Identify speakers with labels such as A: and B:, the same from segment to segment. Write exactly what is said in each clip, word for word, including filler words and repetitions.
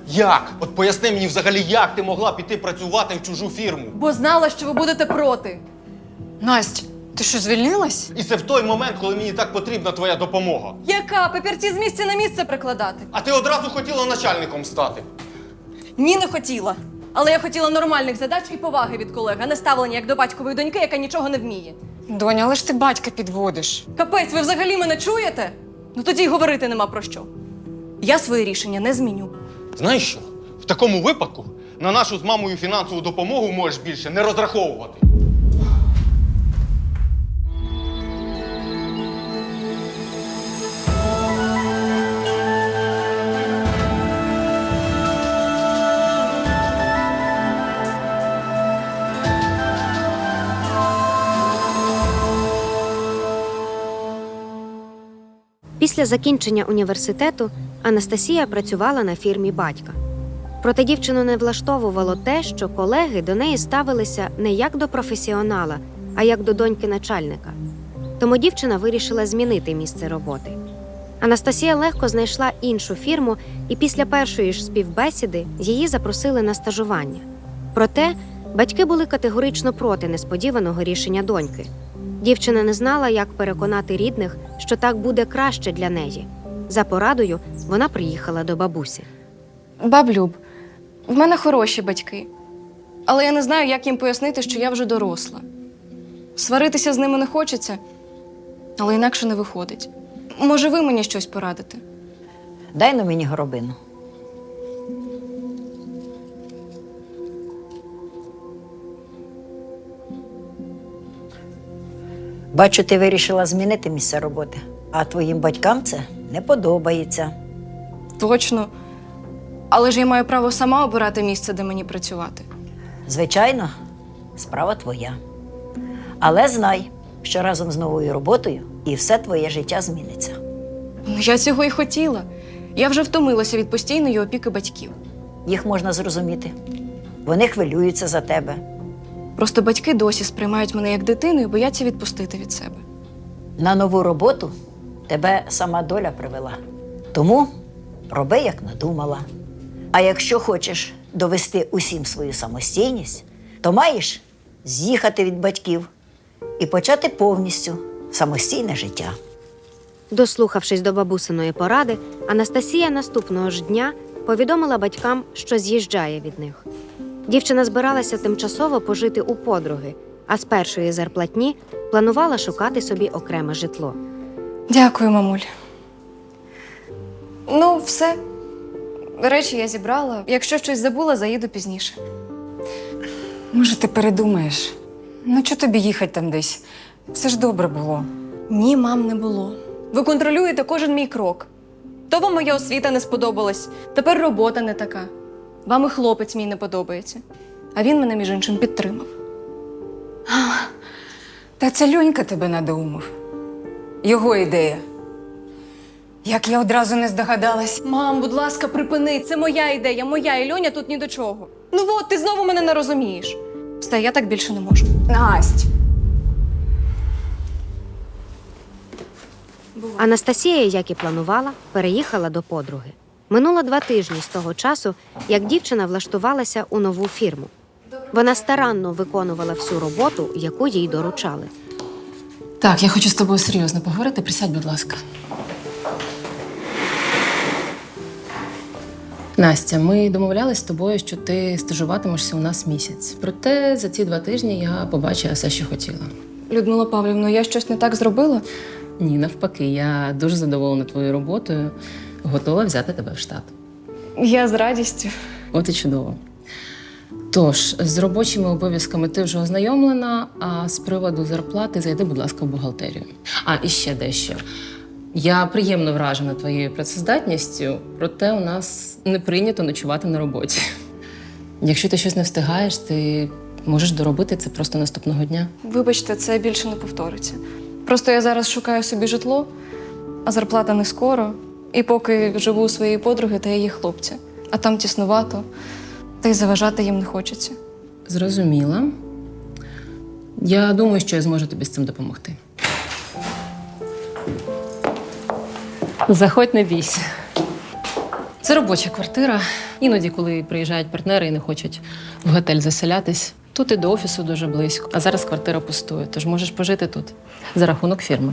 A: Як? От поясни мені взагалі, як ти могла піти працювати в чужу фірму?
B: Бо знала, що ви будете проти.
C: Насть, ти що, звільнилась?
A: І це в той момент, коли мені так потрібна твоя допомога.
B: Яка? Папірці з місця на місце прикладати?
A: А ти одразу хотіла начальником стати.
B: Ні, не хотіла. Але я хотіла нормальних задач і поваги від колег, а не ставлення як до батькової доньки, яка нічого не вміє.
C: Доня, але ж ти батька підводиш.
B: Капець, ви взагалі мене чуєте? Ну тоді й говорити нема про що. Я своє рішення не зміню.
A: Знаєш що? В такому випадку на нашу з мамою фінансову допомогу можеш більше не розраховувати.
D: Після закінчення університету Анастасія працювала на фірмі батька. Проте дівчину не влаштовувало те, що колеги до неї ставилися не як до професіонала, а як до доньки начальника. Тому дівчина вирішила змінити місце роботи. Анастасія легко знайшла іншу фірму, і після першої ж співбесіди її запросили на стажування. Проте батьки були категорично проти несподіваного рішення доньки. Дівчина не знала, як переконати рідних, що так буде краще для неї. За порадою вона приїхала до бабусі.
B: Баблюб, в мене хороші батьки. Але я не знаю, як їм пояснити, що я вже доросла. Сваритися з ними не хочеться, але інакше не виходить. Може, ви мені щось порадите?
E: Дай на мені горобину. Бачу, ти вирішила змінити місце роботи, а твоїм батькам це не подобається.
B: Точно. Але ж я маю право сама обирати місце, де мені працювати.
E: Звичайно, справа твоя. Але знай, що разом з новою роботою і все твоє життя зміниться.
B: Ну, я цього і хотіла. Я вже втомилася від постійної опіки батьків.
E: Їх можна зрозуміти. Вони хвилюються за тебе.
B: Просто батьки досі сприймають мене як дитину і бояться відпустити від себе.
E: На нову роботу тебе сама доля привела. Тому роби, як надумала. А якщо хочеш довести усім свою самостійність, то маєш з'їхати від батьків і почати повністю самостійне життя.
D: Дослухавшись до бабусиної поради, Анастасія наступного ж дня повідомила батькам, що з'їжджає від них. Дівчина збиралася тимчасово пожити у подруги, а з першої зарплатні планувала шукати собі окреме житло.
B: Дякую, мамуль. Ну, все. Речі я зібрала. Якщо щось забула, заїду пізніше.
C: Може, ти передумаєш? Ну, чого тобі їхати там десь? Все ж добре було.
B: Ні, мам, не було. Ви контролюєте кожен мій крок. То вам моя освіта не сподобалась, тепер робота не така. Вам і хлопець мій не подобається. А він мене, між іншим, підтримав.
C: Та це Льонька тебе надоумив. Його ідея. Як я одразу не здогадалась.
B: Мам, будь ласка, припини, це моя ідея, моя, і Льоня тут ні до чого. Ну от, ти знову мене не розумієш. Все, я так більше не можу.
C: Насть!
D: Анастасія, як і планувала, переїхала до подруги. Минуло два тижні з того часу, як дівчина влаштувалася у нову фірму. Вона старанно виконувала всю роботу, яку їй доручали.
F: Так, я хочу з тобою серйозно поговорити. Присядь, будь ласка. Настя, ми домовлялись з тобою, що ти стажуватимешся у нас місяць. Проте за ці два тижні я побачила все, що хотіла.
B: Людмила Павлівна, я щось не так зробила?
F: Ні, навпаки, я дуже задоволена твоєю роботою, готова взяти тебе в штат.
B: Я з радістю.
F: От і чудово. Тож, з робочими обов'язками ти вже ознайомлена, а з приводу зарплати зайди, будь ласка, в бухгалтерію. А, і ще дещо. Я приємно вражена твоєю працездатністю, проте у нас не прийнято ночувати на роботі. Якщо ти щось не встигаєш, ти можеш доробити це просто наступного дня.
B: Вибачте, це більше не повториться. Просто я зараз шукаю собі житло, а зарплата не скоро. І поки живу у своєї подруги та її хлопця. А там тіснувато, та й заважати їм не хочеться.
F: Зрозуміла. Я думаю, що я зможу тобі з цим допомогти. Заходь, не бійся. Це робоча квартира. Іноді, коли приїжджають партнери і не хочуть в готель заселятись, тут і до офісу дуже близько. А зараз квартира пустує, тож можеш пожити тут за рахунок фірми.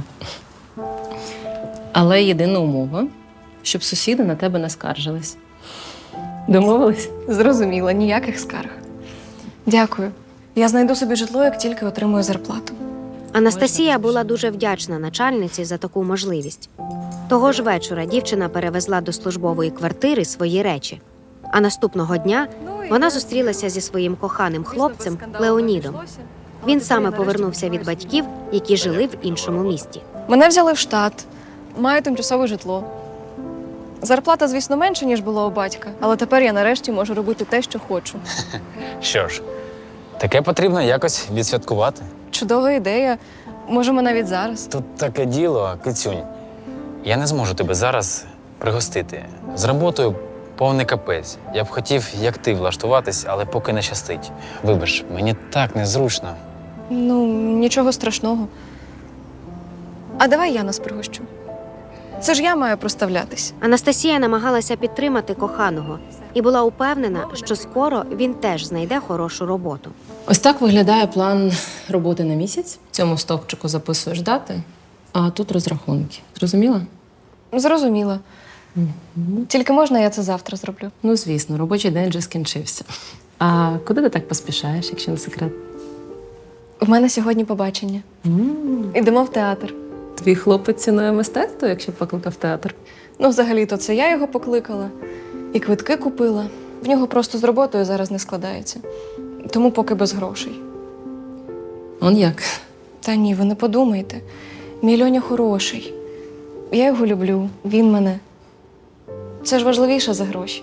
F: Але єдина умова, щоб сусіди на тебе не скаржились. Домовились?
B: Зрозуміла, ніяких скарг. Дякую. Я знайду собі житло, як тільки отримую зарплату.
D: Анастасія була дуже вдячна начальниці за таку можливість. Того ж вечора дівчина перевезла до службової квартири свої речі. А наступного дня вона зустрілася зі своїм коханим хлопцем Леонідом. Він саме повернувся від батьків, які жили в іншому місті.
B: Мене взяли в штат, маю тимчасове житло. Зарплата, звісно, менша, ніж була у батька, але тепер я нарешті можу робити те, що хочу.
G: Що ж, таке потрібно якось відсвяткувати.
B: Чудова ідея. Можемо навіть зараз.
G: Тут таке діло, кицюнь. Я не зможу тебе зараз пригостити. З роботою повний капець. Я б хотів, як ти, влаштуватись, але поки не щастить. Вибач, мені так незручно.
B: Ну, нічого страшного. А давай я нас пригощу. Це ж я маю проставлятись.
D: Анастасія намагалася підтримати коханого і була упевнена, що скоро він теж знайде хорошу роботу.
F: Ось так виглядає план роботи на місяць. В цьому стовпчику записуєш дати, а тут розрахунки. Зрозуміла?
B: Зрозуміла. Тільки можна я це завтра зроблю?
F: Ну, звісно, робочий день вже скінчився. А куди ти так поспішаєш, якщо не секрет?
B: У мене сьогодні побачення. Ідемо в театр.
F: Твій хлопець цінує мистецтво, якщо покликав театр.
B: Ну, взагалі-то це я його покликала. І квитки купила. В нього просто з роботою зараз не складається. Тому поки без грошей.
F: Он як?
B: Та ні, ви не подумайте. Мій Льоня хороший. Я його люблю, він мене. Це ж важливіше за гроші.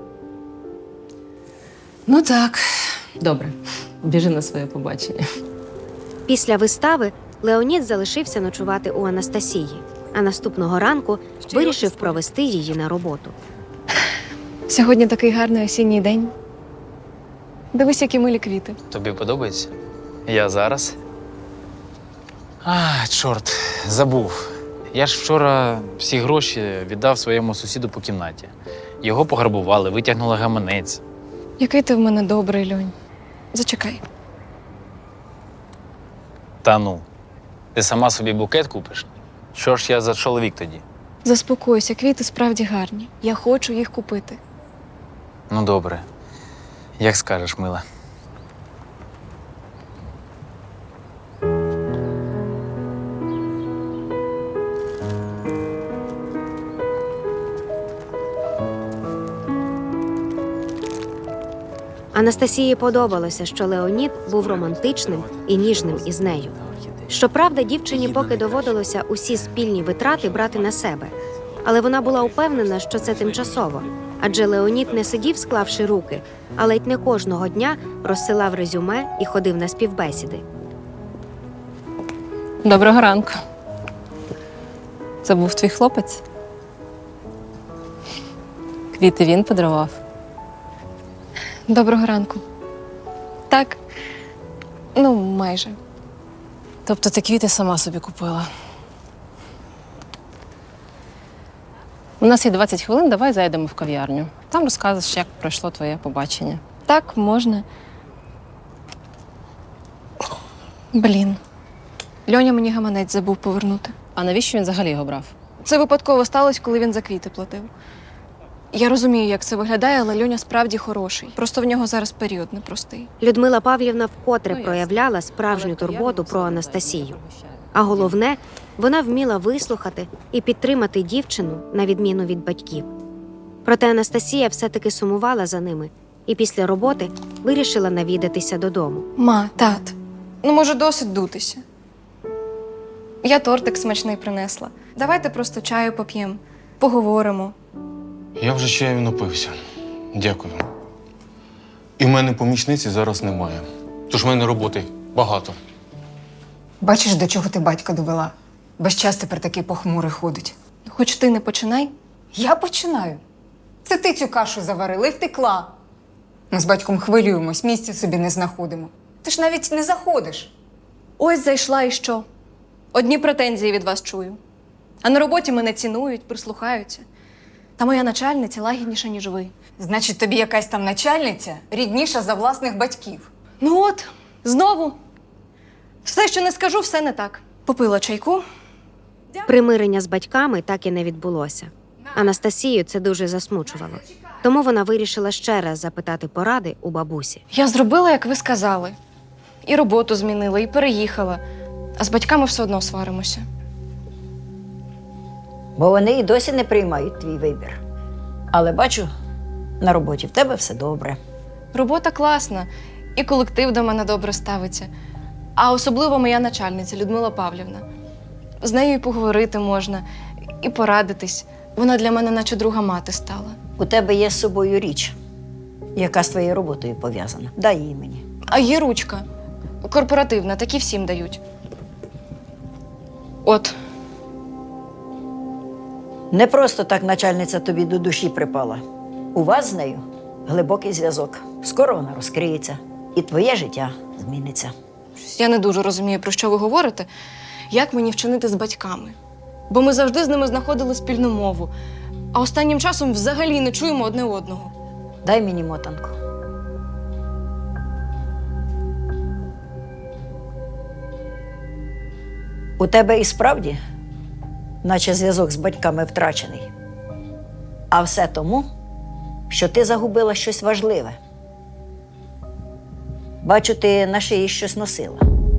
F: Ну так. Добре. Біжи на своє побачення.
D: Після вистави Леонід залишився ночувати у Анастасії, а наступного ранку вирішив провести її на роботу.
B: Сьогодні такий гарний осінній день. Дивись, які милі квіти.
G: Тобі подобається? Я зараз. А, чорт, забув. Я ж вчора всі гроші віддав своєму сусіду по кімнаті. Його пограбували, витягнули гаманець.
B: Який ти в мене добрий, Льонь. Зачекай.
G: Та ну, ти сама собі букет купиш? Що ж я за чоловік тоді?
B: Заспокойся, квіти справді гарні. Я хочу їх купити.
G: Ну, добре. Як скажеш, мила.
D: Анастасії подобалося, що Леонід був романтичним і ніжним із нею. Щоправда, дівчині поки доводилося усі спільні витрати брати на себе. Але вона була упевнена, що це тимчасово. Адже Леонід не сидів, склавши руки, а ледь не кожного дня розсилав резюме і ходив на співбесіди.
F: Доброго ранку. Це був твій хлопець? Квіти він подарував?
B: Доброго ранку. Так. Ну, майже.
F: Тобто ти квіти сама собі купила? У нас є двадцять хвилин, давай зайдемо в кав'ярню. Там розкажеш, як пройшло твоє побачення.
B: Так, можна. Блін. Льоня мені гаманець забув повернути.
F: А навіщо він взагалі його брав?
B: Це випадково сталося, коли він за квіти платив. Я розумію, як це виглядає, але Льоня справді хороший. Просто в нього зараз період непростий.
D: Людмила Павлівна вкотре проявляла справжню турботу про Анастасію. А головне, вона вміла вислухати і підтримати дівчину на відміну від батьків. Проте Анастасія все-таки сумувала за ними і після роботи вирішила навідатися додому.
B: Ма, тат, ну може досить дутися. Я тортик смачний принесла. Давайте просто чаю поп'ємо, поговоримо.
A: Я вже чаю напився. Дякую. І в мене помічниці зараз немає. Тож в мене роботи багато.
C: Бачиш, до чого ти батька довела? Весь час тепер такий похмурий ходить.
B: Хоч ти не починай.
C: Я починаю. Це ти цю кашу заварила і втекла. Ми з батьком хвилюємось, місця собі не знаходимо. Ти ж навіть не заходиш.
B: Ось зайшла і що? Одні претензії від вас чую. А на роботі мене цінують, прислухаються. Та моя начальниця лагідніша, ніж ви.
C: Значить, тобі якась там начальниця рідніша за власних батьків.
B: Ну от, знову. Все, що не скажу, все не так. Попила чайку.
D: Примирення з батьками так і не відбулося. Анастасію це дуже засмучувало. Тому вона вирішила ще раз запитати поради у бабусі.
B: Я зробила, як ви сказали. І роботу змінила, і переїхала. А з батьками все одно сваримося.
E: Бо вони і досі не приймають твій вибір. Але бачу, на роботі в тебе все добре.
B: Робота класна, і колектив до мене добре ставиться. А особливо моя начальниця Людмила Павлівна. З нею і поговорити можна, і порадитись. Вона для мене наче друга мати стала.
E: У тебе є з собою річ, яка з твоєю роботою пов'язана. Дай її мені.
B: А є ручка. Корпоративна, такі всім дають. От.
E: Не просто так начальниця тобі до душі припала. У вас з нею глибокий зв'язок. Скоро вона розкриється, і твоє життя зміниться.
B: Я не дуже розумію, про що ви говорите. Як мені вчинити з батьками? Бо ми завжди з ними знаходили спільну мову. А останнім часом взагалі не чуємо одне одного.
E: Дай мені мотанку. У тебе і справді, наче зв'язок з батьками втрачений. А все тому, що ти загубила щось важливе. Бачу, ти на шиї щось носила.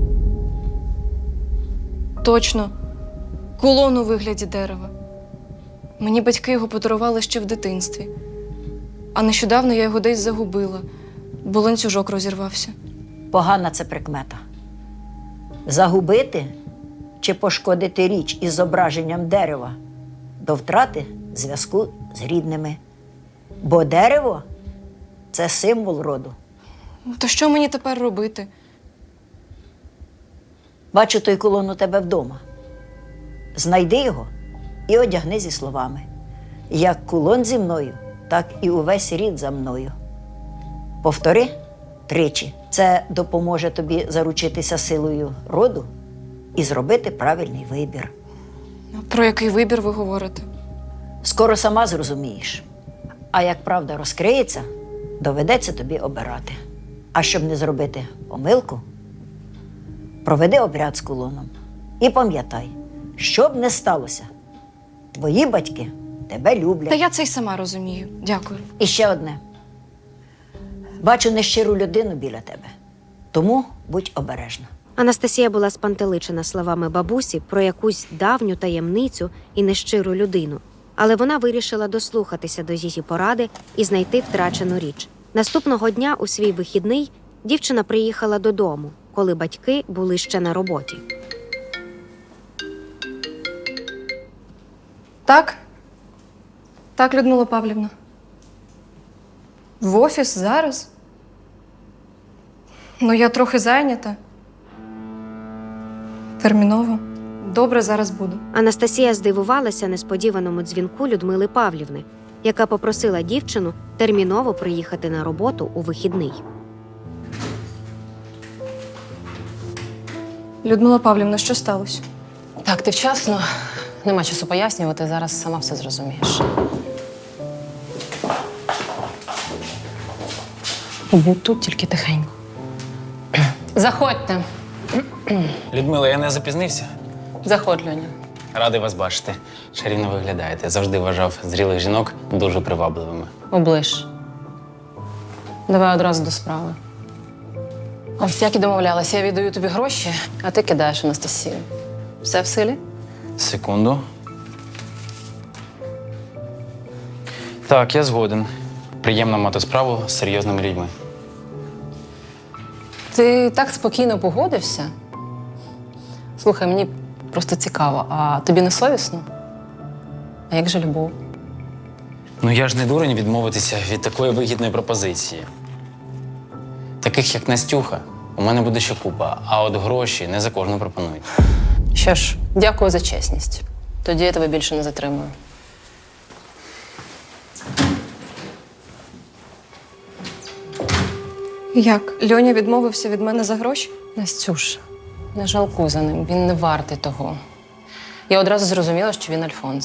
B: Точно. Кулон у вигляді дерева. Мені батьки його подарували ще в дитинстві. А нещодавно я його десь загубила, бо ланцюжок розірвався.
E: Погана це прикмета. Загубити чи пошкодити річ із зображенням дерева до втрати зв'язку з рідними. Бо дерево – це символ роду.
B: То що мені тепер робити?
E: Бачу той кулон у тебе вдома. Знайди його і одягни зі словами: як кулон зі мною, так і увесь рід за мною. Повтори тричі. Це допоможе тобі заручитися силою роду і зробити правильний вибір.
B: Про який вибір ви говорите?
E: Скоро сама зрозумієш. А як правда розкриється, доведеться тобі обирати. А щоб не зробити помилку, проведи обряд з кулоном. І пам'ятай, що б не сталося, твої батьки тебе люблять.
B: Та я це й сама розумію. Дякую.
E: І ще одне. Бачу нещиру людину біля тебе, тому будь обережна.
D: Анастасія була спантеличена словами бабусі про якусь давню таємницю і нещиру людину. Але вона вирішила дослухатися до її поради і знайти втрачену річ. Наступного дня у свій вихідний дівчина приїхала додому, коли батьки були ще на роботі.
B: Так? Так, Людмила Павлівна. В офіс зараз? Ну, я трохи зайнята. Терміново. Добре, зараз буду.
D: Анастасія здивувалася несподіваному дзвінку Людмили Павлівни, яка попросила дівчину терміново приїхати на роботу у вихідний.
B: Людмила Павлівна, що сталося?
F: Так, ти вчасно. Нема часу пояснювати, зараз сама все зрозумієш. Будь тут тільки тихенько. Заходьте.
G: Людмила, я не запізнився.
F: Заходь, Льоня.
G: Радий вас бачити. Чарівно виглядаєте. Завжди вважав зрілих жінок дуже привабливими.
F: Оближ. Давай одразу до справи. Ось як і домовлялася, я віддаю тобі гроші, а ти кидаєш Анастасію. Все в силі?
G: Секунду. Так, я згоден. Приємно мати справу з серйозними людьми.
F: Ти так спокійно погодився? Слухай, мені просто цікаво, а тобі не совісно? А як же любов?
G: Ну я ж не дурень відмовитися від такої вигідної пропозиції. Таких, як Настюха, у мене буде ще купа, а от гроші не за кожну пропонують.
F: Що ж, дякую за чесність. Тоді я тебе більше не затримую.
B: Як? Льоня відмовився від мене за гроші?
F: Настюш, не жалкуй за ним, він не вартий того. Я одразу зрозуміла, що він Альфонс.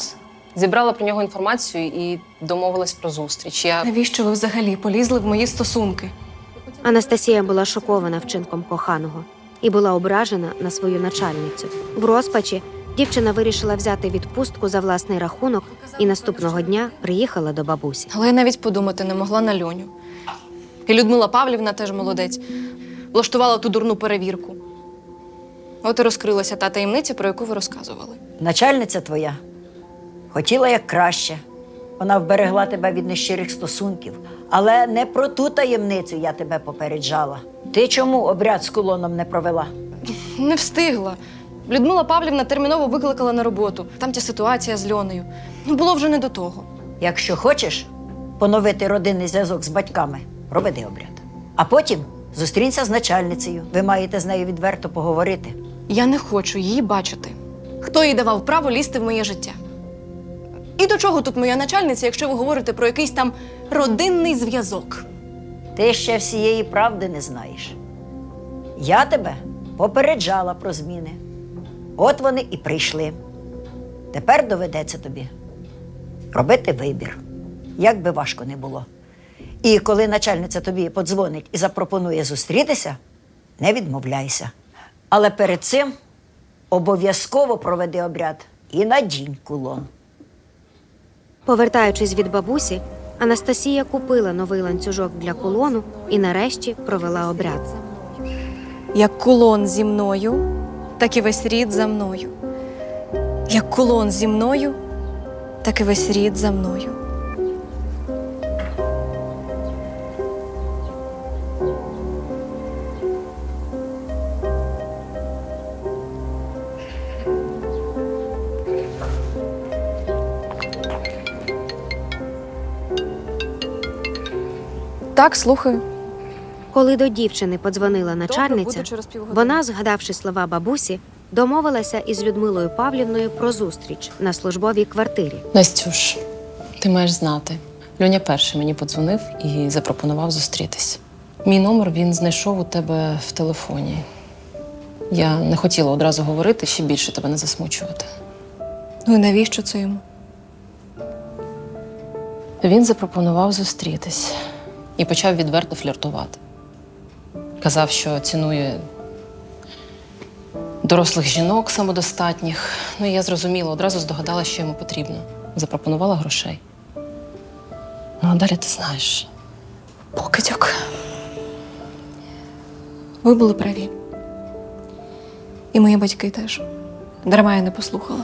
F: Зібрала про нього інформацію і домовилась про зустріч. Я
B: Навіщо ви взагалі полізли в мої стосунки?
D: Анастасія була шокована вчинком коханого і була ображена на свою начальницю. В розпачі дівчина вирішила взяти відпустку за власний рахунок і наступного дня приїхала до бабусі.
B: Але я навіть подумати не могла на Льоню. І Людмила Павлівна теж молодець. Влаштувала ту дурну перевірку. От і розкрилася та таємниця, про яку ви розказували.
E: Начальниця твоя хотіла як краще. Вона вберегла тебе від нещирих стосунків. Але не про ту таємницю я тебе попереджала. Ти чому обряд з кулоном не провела?
B: Не встигла. Людмила Павлівна терміново викликала на роботу. Там ця ситуація з Льонею. Ну, було вже не до того.
E: Якщо хочеш поновити родинний зв'язок з батьками, проведи обряд. А потім зустрінься з начальницею. Ви маєте з нею відверто поговорити.
B: Я не хочу її бачити. Хто їй давав право лізти в моє життя? І до чого тут моя начальниця, якщо ви говорите про якийсь там родинний зв'язок?
E: Ти ще всієї правди не знаєш. Я тебе попереджала про зміни. От вони і прийшли. Тепер доведеться тобі робити вибір, як би важко не було. І коли начальниця тобі подзвонить і запропонує зустрітися, не відмовляйся. Але перед цим обов'язково проведи обряд і надінь кулон.
D: Повертаючись від бабусі, Анастасія купила новий ланцюжок для кулону і нарешті провела обряд.
B: Як кулон зі мною, так і весь рід за мною. Як кулон зі мною, так і весь рід за мною. Так, слухаю.
D: Коли до дівчини подзвонила начальниця,
B: буду через півгодини.
D: вона, згадавши слова бабусі, домовилася із Людмилою Павлівною про зустріч на службовій квартирі.
F: Настюш, ти маєш знати. Льоня перший мені подзвонив і запропонував зустрітись. Мій номер він знайшов у тебе в телефоні. Я не хотіла одразу говорити, ще більше тебе не засмучувати.
B: Ну і навіщо це йому?
F: Він запропонував зустрітись і почав відверто фліртувати. Казав, що цінує дорослих жінок самодостатніх. Ну і я зрозуміла, одразу здогадалася, що йому потрібно. Запропонувала грошей. Ну, а далі ти знаєш.
B: Покидьок. Ви були праві. І мої батьки теж. Дарма я не послухала.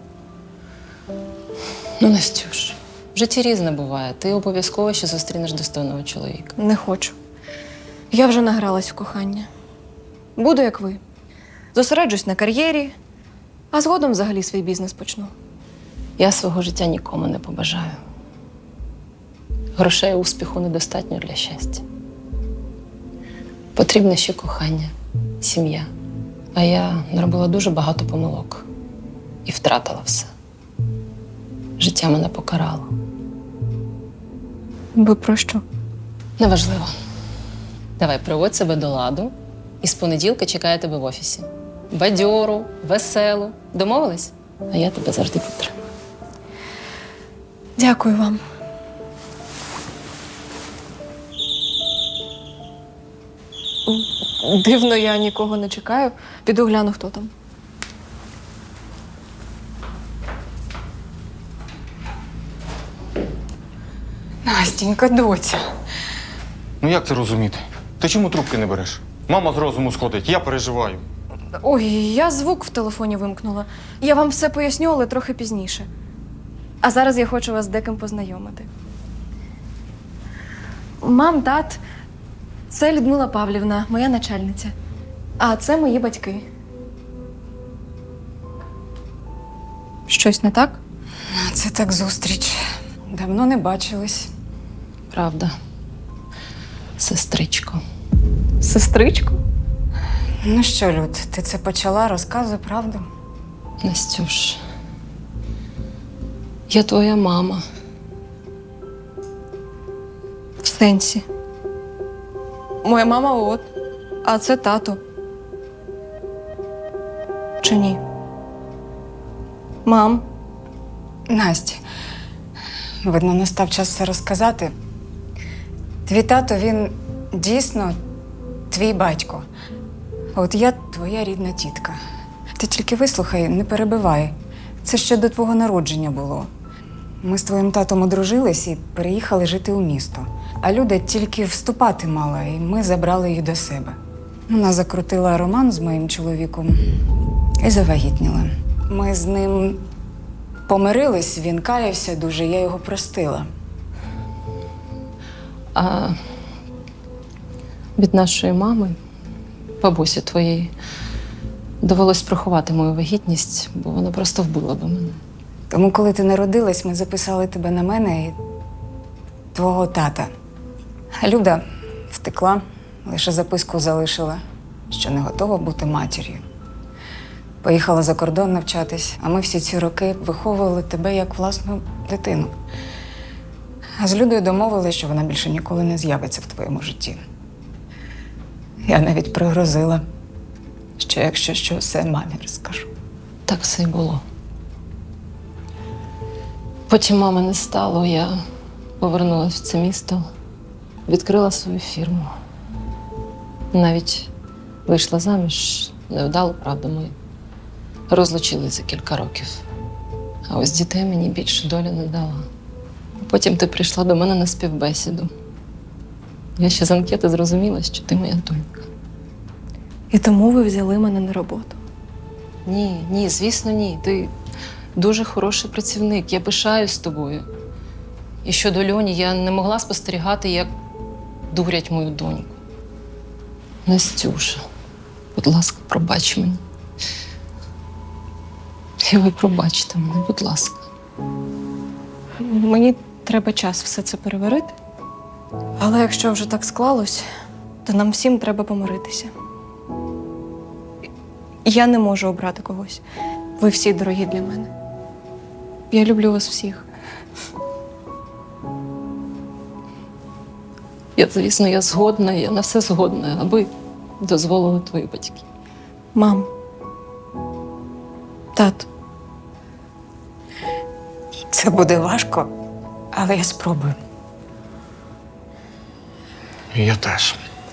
F: Ну, Настюш, в житті різне буває. Ти обов'язково ще зустрінеш достойного чоловіка.
B: Не хочу. Я вже награлась в кохання. Буду, як ви. Зосереджусь на кар'єрі, а згодом взагалі свій бізнес почну.
F: Я свого життя нікому не побажаю. Грошей і успіху недостатньо для щастя. Потрібне ще кохання, сім'я. А я наробила дуже багато помилок і втратила все. Життя мене покарало.
B: Ви про що?
F: Неважливо. Давай, приводь себе до ладу, і з понеділка чекаю тебе в офісі. Бадьору, веселу. Домовились? А я тебе завжди підтримую.
B: Дякую вам. Дивно, я нікого не чекаю. Піду гляну, хто там.
C: Настінька, доця.
A: Ну як це розуміти? Ти чому трубки не береш? Мама з розуму сходить, я переживаю.
B: Ой, я звук в телефоні вимкнула. Я вам все поясню, але трохи пізніше. А зараз я хочу вас з деким познайомити. Мам, тат, це Людмила Павлівна, моя начальниця. А це мої батьки. Щось не так?
C: Це так зустріч. Давно не бачились.
F: Правда. Сестричко.
B: Сестричко?
C: Ну що, Люд, ти це почала, розказуй правду.
F: Настюш, я твоя мама.
B: В сенсі. Моя мама от, а це тато. Чи ні? Мам,
C: Настя, видно, настав час все розказати. Твій тато, він дійсно твій батько. А от я твоя рідна тітка. Ти тільки вислухай, не перебивай. Це ще до твого народження було. Ми з твоїм татом одружились і переїхали жити у місто. А Люда тільки вступати мала, і ми забрали її до себе. Вона закрутила роман з моїм чоловіком і завагітніла. Ми з ним помирились, він каявся дуже, я його простила.
F: А від нашої мами, бабусі твоєї, довелось приховати мою вагітність, бо вона просто вбила би мене.
C: Тому, коли ти народилась, ми записали тебе на мене і твого тата. А Люда втекла, лише записку залишила, що не готова бути матір'ю. Поїхала за кордон навчатись, а ми всі ці роки виховували тебе як власну дитину. А з Людою домовились, що вона більше ніколи не з'явиться в твоєму житті. Я навіть пригрозила, що якщо що, все мамі розкажу.
F: Так все й було. Потім мами не стало, я повернулася в це місто, відкрила свою фірму. Навіть вийшла заміж, невдало, правда, ми розлучились за кілька років. А ось дітей мені більше доля не дала. Потім ти прийшла до мене на співбесіду. Я ще з анкети зрозуміла, що ти моя донька.
B: І тому ви взяли мене на роботу.
F: Ні, ні, звісно, ні. Ти дуже хороший працівник, я пишаюсь тобою. І щодо Льоні, я не могла спостерігати, як дурять мою доньку. Настюша, будь ласка, пробач мені. І ви пробачте мене, будь ласка.
B: Мені треба час все це переварити. Але якщо вже так склалось, то нам всім треба помиритися. Я не можу обрати когось. Ви всі дорогі для мене. Я люблю вас всіх.
F: Я, звісно, я згодна, я на все згодна, аби дозволили твої батьки.
B: Мам. Тато.
C: Це буде важко, але я спробую.
A: Я теж.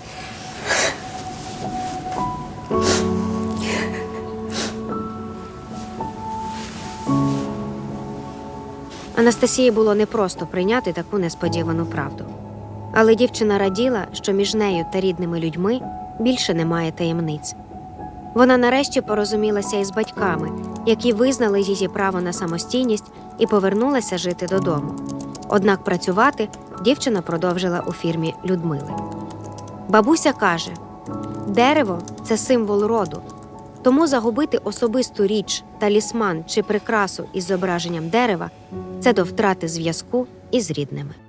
D: Анастасії було непросто прийняти таку несподівану правду. Але дівчина раділа, що між нею та рідними людьми більше немає таємниць. Вона нарешті порозумілася із батьками, які визнали її право на самостійність і повернулася жити додому. Однак працювати дівчина продовжила у фірмі Людмили. Бабуся каже, дерево – це символ роду, тому загубити особисту річ, талісман чи прикрасу із зображенням дерева – це до втрати зв'язку із рідними.